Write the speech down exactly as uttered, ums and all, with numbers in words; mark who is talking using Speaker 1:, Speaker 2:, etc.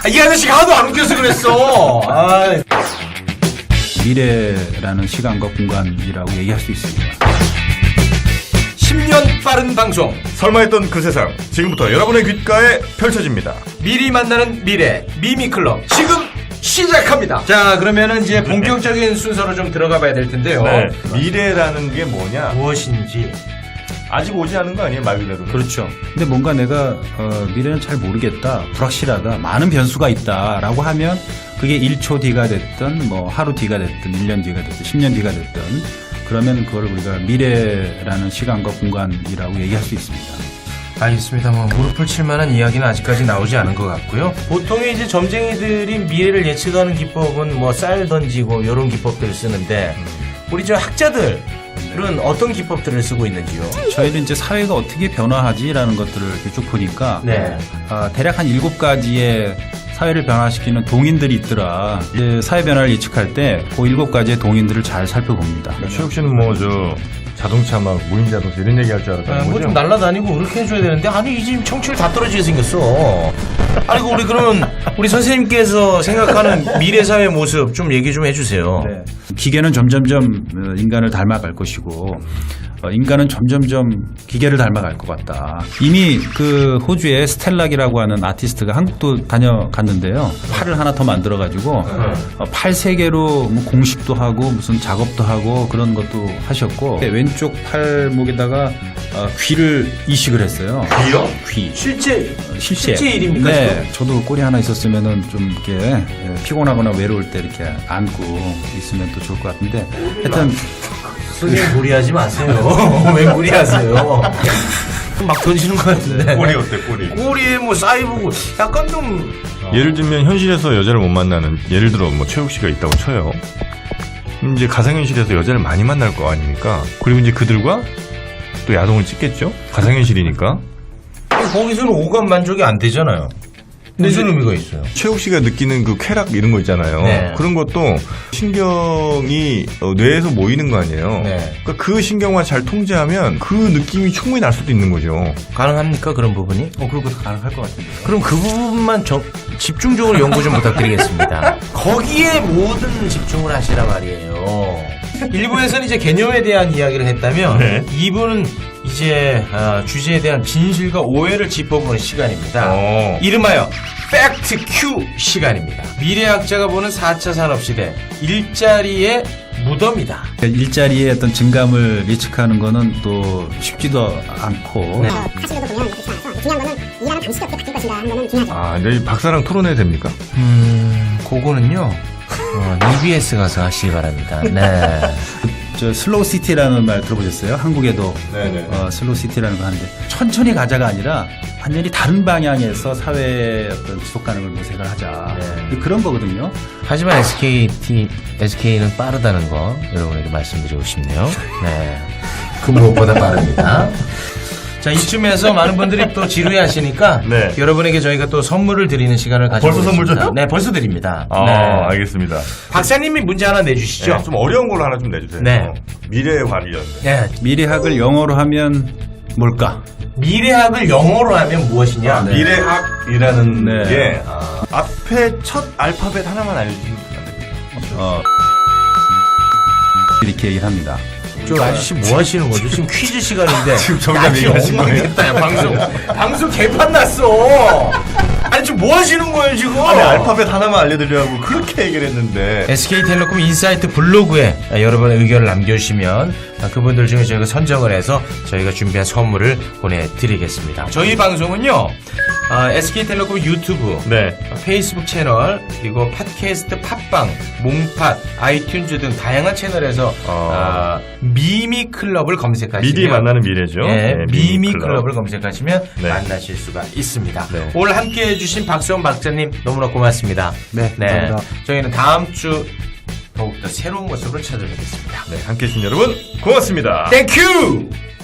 Speaker 1: 이 아저씨가 하도 안 웃겨서 그랬어. 아.
Speaker 2: 미래라는 시간과 공간이라고 얘기할 수 있습니다.
Speaker 1: 십 년 빠른 방송.
Speaker 3: 설마 했던 그 세상 지금부터 여러분의 귓가에 펼쳐집니다.
Speaker 1: 미리 만나는 미래 미미클럽 지금 시작합니다. 자, 그러면은 이제 본격적인 순서로 좀 들어가 봐야 될 텐데요.
Speaker 3: 네. 미래라는 게 뭐냐?
Speaker 1: 무엇인지.
Speaker 3: 아직 오지 않은 거 아니에요, 말 그대로.
Speaker 2: 그렇죠. 근데 뭔가 내가 어, 미래는 잘 모르겠다, 불확실하다, 많은 변수가 있다라고 하면 그게 일 초 뒤가 됐든 뭐 하루 뒤가 됐든 일 년 뒤가 됐든 십 년 뒤가 됐든 그러면 그걸 우리가 미래라는 시간과 공간이라고 얘기할 수 있습니다.
Speaker 1: 알겠습니다. 뭐 무릎을 칠 만한 이야기는 아직까지 나오지 않은 것 같고요. 보통의 이제 점쟁이들이 미래를 예측하는 기법은 뭐 쌀 던지고 이런 기법들을 쓰는데 우리 저 학자들은 어떤 기법들을 쓰고 있는지요?
Speaker 2: 저희는 이제 사회가 어떻게 변화하지라는 것들을 이렇게 쭉 보니까
Speaker 1: 네.
Speaker 2: 아, 대략 한 일곱 가지의 사회를 변화시키는 동인들이 있더라. 이제 사회 변화를 예측할 때 그 일곱 가지의 동인들을 잘 살펴봅니다.
Speaker 3: 최욱 씨는 뭐 저 자동차 막 무인 자동차 이런 얘기 할 줄 알았다는
Speaker 1: 뭐
Speaker 3: 거죠?
Speaker 1: 좀 날라다니고 그렇게 해줘야 되는데 아니 이 지금 청취율 다 떨어지게 생겼어. 아니 그 우리 그러면 우리 선생님께서 생각하는 미래 사회 모습 좀 얘기 좀 해주세요.
Speaker 2: 네. 기계는 점점점 어, 인간을 닮아갈 것이고 어, 인간은 점점점 기계를 닮아갈 것 같다. 이미 그 호주의 스텔락이라고 하는 아티스트가 한국도 다녀갔는데요. 팔을 하나 더 만들어가지고 어, 팔 세 개로 뭐 공식도 하고 무슨 작업도 하고 그런 것도 하셨고 왼쪽 팔목에다가 어, 귀를 이식을 했어요.
Speaker 1: 귀요?
Speaker 2: 귀.
Speaker 1: 실제
Speaker 2: 어, 실제.
Speaker 1: 실제 일입니까?
Speaker 2: 네. 저도 꼬리 하나 있었으면은 좀 이렇게 예, 피곤하거나 외로울 때 이렇게 안고 있으면 또 좋을 것 같은데 하여튼
Speaker 1: 선생님 무리하지 마세요. 왜 무리하세요? 막 던지는 것 같은데.
Speaker 3: 꼬리 어때, 꼬리?
Speaker 1: 꼬리에 뭐 사이보고 약간 좀
Speaker 3: 예를 들면 현실에서 여자를 못 만나는, 예를 들어 뭐 최욱 씨가 있다고 쳐요. 그럼 이제 가상현실에서 여자를 많이 만날 거 아닙니까? 그리고 이제 그들과 또 야동을 찍겠죠? 가상현실이니까.
Speaker 1: 거기서는 오감 만족이 안 되잖아요. 무슨 의미가 있어요?
Speaker 3: 최욱 씨가 느끼는 그 쾌락 이런 거 있잖아요.
Speaker 1: 네.
Speaker 3: 그런 것도 신경이 어, 뇌에서 모이는 거 아니에요.
Speaker 1: 네.
Speaker 3: 그러니까 그 신경만 잘 통제하면 그 느낌이 충분히 날 수도 있는 거죠.
Speaker 1: 가능합니까 그런 부분이?
Speaker 2: 어 그런 것도 가능할 것 같은데요.
Speaker 1: 그럼 그 부분만 정- 집중적으로 연구 좀 부탁드리겠습니다. 거기에 모든 집중을 하시라 말이에요. 일 부에서는 이제 개념에 대한 이야기를 했다면
Speaker 3: 네.
Speaker 1: 이 부는 이제 아, 주제에 대한 진실과 오해를 짚어보는 시간입니다.
Speaker 3: 어.
Speaker 1: 이름하여 팩트 큐 시간입니다. 미래학자가 보는 사 차 산업시대 일자리의 무덤이다.
Speaker 2: 일자리의 어떤 증감을 예측하는 거는 또 쉽지도 않고
Speaker 1: 네.
Speaker 4: 사실로도 보면 그렇지 않아서 중요한 거는 일하는 방식이 어떻게 바뀔 것인가 하는 거는 중요하죠.
Speaker 3: 아, 내일 박사랑 토론해도 됩니까?
Speaker 1: 음, 그거는요. 어, 이비에스 가서 하시기 바랍니다. 네.
Speaker 2: 저 슬로우 시티라는 말 들어보셨어요? 한국에도
Speaker 3: 네네.
Speaker 2: 어, 슬로우 시티라는 거 하는데 천천히 가자가 아니라 완전히 다른 방향에서 사회의 어떤 지속 가능을 모색을 하자.
Speaker 1: 네.
Speaker 2: 그런 거거든요.
Speaker 1: 하지만 에스케이티, 에스케이는 빠르다는 거 여러분에게 말씀드리고 싶네요. 네. 그 무엇보다 빠릅니다. 자, 이쯤에서 많은 분들이 또 지루해 하시니까
Speaker 3: 네.
Speaker 1: 여러분에게 저희가 또 선물을 드리는 시간을 가지고
Speaker 3: 벌써 선물
Speaker 1: 있습니다.
Speaker 3: 줘요?
Speaker 1: 네, 벌써 드립니다.
Speaker 3: 아,
Speaker 1: 네.
Speaker 3: 알겠습니다.
Speaker 1: 박사님이 문제 하나 내주시죠.
Speaker 3: 네, 좀 어려운 걸로 하나 좀 내주세요.
Speaker 1: 네.
Speaker 3: 미래 관련.
Speaker 1: 네.
Speaker 2: 미래학을 영어로 하면 뭘까?
Speaker 1: 미래학을 영어로 하면 무엇이냐?
Speaker 2: 네.
Speaker 3: 미래학이라는
Speaker 2: 네.
Speaker 3: 게 아, 앞에 첫 알파벳 하나만 알려주시면 안 됩니까?
Speaker 2: 어, 이렇게 얘기를 합니다.
Speaker 1: 저 아저씨 뭐 하시는 거죠? 지금 퀴즈 시간인데.
Speaker 3: 지금 정답 얘기하신 거예요?
Speaker 1: 야, 방송. 방송 개판 났어. 아니, 지금 뭐 하시는 거예요, 지금?
Speaker 3: 아니, 알파벳 하나만 알려드리라고 그렇게 얘기를 했는데.
Speaker 1: 에스케이텔레콤 인사이트 블로그에 여러분의 의견을 남겨주시면 그분들 중에 저희가 선정을 해서 저희가 준비한 선물을 보내드리겠습니다. 저희 방송은요, 어, 에스케이텔레콤 유튜브,
Speaker 3: 네.
Speaker 1: 페이스북 채널, 그리고 팟캐스트, 팟빵, 몽팟, 아이튠즈 등 다양한 채널에서
Speaker 3: 어.
Speaker 1: 어, 미미클럽을 검색하시면
Speaker 3: 미리 만나는 미래죠.
Speaker 1: 네,
Speaker 3: 네,
Speaker 1: 미미클럽을 검색하시면
Speaker 3: 네.
Speaker 1: 만나실 수가 있습니다.
Speaker 3: 네.
Speaker 1: 오늘 함께 해주신 박수원 박사님 너무나 고맙습니다.
Speaker 2: 네, 감사합니다.
Speaker 1: 저희는 다음 주 더욱더 새로운 모습으로 찾아뵙겠습니다.
Speaker 3: 네, 함께 해주신 여러분, 고맙습니다.
Speaker 1: 땡큐!